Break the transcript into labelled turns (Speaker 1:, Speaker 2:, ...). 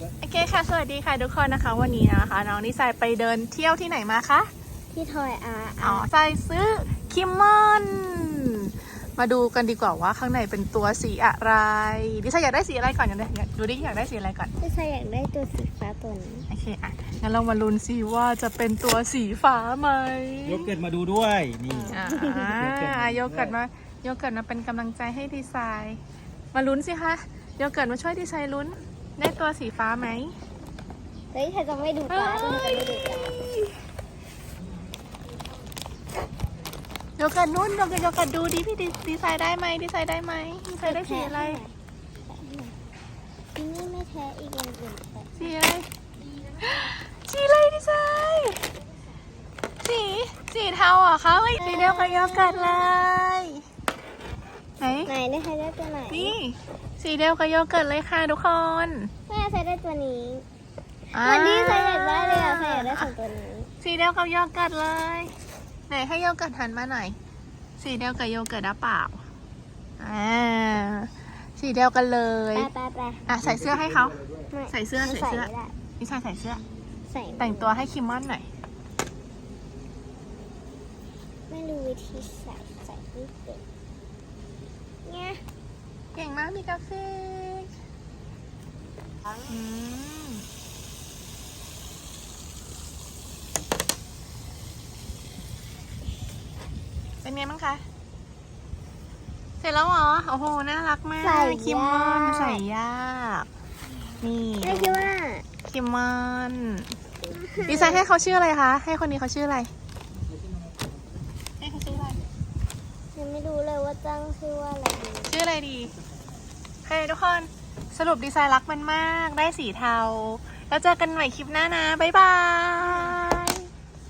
Speaker 1: โอเคค่ะสวัสดีค่ะทุกคนนะคะวันนี้นะคะน้องนิสัยไปเดินเที่ยวที่ไหนมาคะ
Speaker 2: ที่ทอยอาร์
Speaker 1: อ๋อใส่ซื้อคิมมอนมาดูกันดีกว่าว่าข้างในเป็นตัวสีอะไรดิฉันอยากได้สีอะไรก่อนดูดิอยากได้สีอะไรก่อน
Speaker 2: ที่ใครอยากได้ตัวสีฟ้าตัวนี้
Speaker 1: โอเคอ่ะงั้นเรามาลุ้นสิว่าจะเป็นตัวสีฟ้าไหม
Speaker 3: ยกเกิดมาดูด้วยนี่
Speaker 1: โยเกิร์ตมาเป็นกำลังใจให้ดีไซน์มาลุ้นสิคะโยเกิร์ตมาช่วยดีไซน์ลุ้นได้ตัวสีฟ้าไหม
Speaker 2: เฮ้ยเธอจะไม่ดูฟ้าเธอจะไม่ดูฟ้า
Speaker 1: โยเกิร์ตนุ่นโยเกิร์ตดูดิพี่ดีไซน์ได้ไหมดีไซน์ได้ไหมดีไซน์ได้สีอะไร
Speaker 2: ที่นี่ไม่แท้อีกอย่างอื่นแท้
Speaker 1: สีอะไรสีอะไรดีไซน์สีเทาเหรอคะเฮ้ยสีเดียวกับโยเกิร์ตเลยไหน
Speaker 2: ไหนได้ใครได้ตัวไหน
Speaker 1: นี่สีเดียวกับโยเกิร์ตเลยค่ะทุกคน
Speaker 2: แม่ใครได้ตัวนี้วันนี้ใครอยากได้เลยอ่ะใครอยากได้ของตัวนี้
Speaker 1: สีเดียวกับโยเกิร์ตเลย ไหนให้โยเกิร์ตหันมาหน่อยสีเดียวกับโยเกิร์ตหรือเปล่าสีเดียวกันเลย
Speaker 2: ไป
Speaker 1: อ่ะใส่เสื้อให้เขา
Speaker 2: ไม่
Speaker 1: ใส่เสื้อ
Speaker 2: ไม่
Speaker 1: ใส่เสื้อ
Speaker 2: ไม่ได้
Speaker 1: นิชาใส่เสื้อ
Speaker 2: ใส่
Speaker 1: แต่งตัวให้คิมมอนหน่อย
Speaker 2: ไม่รู้วิธีใส่ไม่เป็นเนี่ย
Speaker 1: เก่งมากมีกาแฟเป็นไงบ้างคะ เสร็จแล้วเหรอ โอ้โห น่ารักมากคิมมอนใส่ยากนี่
Speaker 2: ไม่คิดว่า
Speaker 1: คิมมอนดีไซน์ให้เขาชื่ออะไรคะ ให้คนนี้เขาชื่ออะไร ให้เขาชื่ออะไร
Speaker 2: ยังไม่รู้เลยว่าตั้งชื่อว่าอะไรดี
Speaker 1: ชื่ออะไรดีเฮ้ยทุกคนสรุปดีไซน์รักมันมากได้สีเทาแล้วเจอกันใหม่คลิปหน้านะ บ๊ายบาย